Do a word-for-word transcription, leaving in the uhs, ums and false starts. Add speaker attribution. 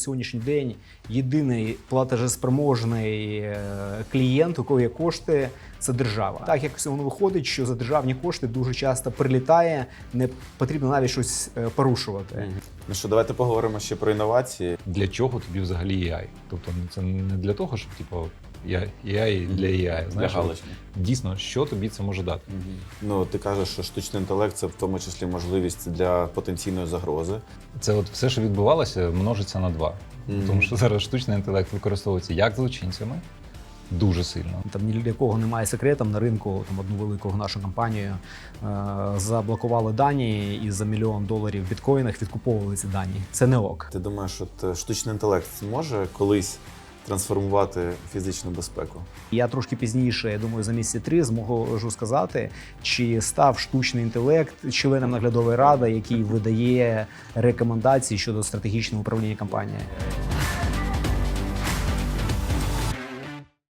Speaker 1: сьогоднішній день єдиний платежеспроможний клієнт, у кого є кошти, це держава. Так як воно виходить, що за державні кошти дуже часто прилітає, не потрібно навіть щось порушувати.
Speaker 2: Ну що, давайте поговоримо ще про інновації.
Speaker 3: Для чого тобі взагалі ей ай? Тобто це не для того, щоб типу, ей ай для ей ай. Знаєш,
Speaker 2: для галочки.
Speaker 3: Дійсно, що тобі це може дати?
Speaker 2: Угу. Ну, ти кажеш, що штучний інтелект – це в тому числі можливість для потенційної загрози.
Speaker 3: Це от все, що відбувалося, множиться на два.
Speaker 2: Mm-hmm.
Speaker 3: Тому що зараз штучний інтелект використовується як злочинцями, дуже сильно.
Speaker 1: Там ні для кого немає секретом на ринку. Там одну велику нашу компанію е- заблокували дані і за мільйон доларів в біткоїнах відкуповували ці дані. Це не ок.
Speaker 2: Ти думаєш, що штучний інтелект може колись трансформувати фізичну безпеку?
Speaker 1: Я трошки пізніше, я думаю, за місяці три зможу сказати, чи став штучний інтелект членом наглядової ради, який видає рекомендації щодо стратегічного управління компанією.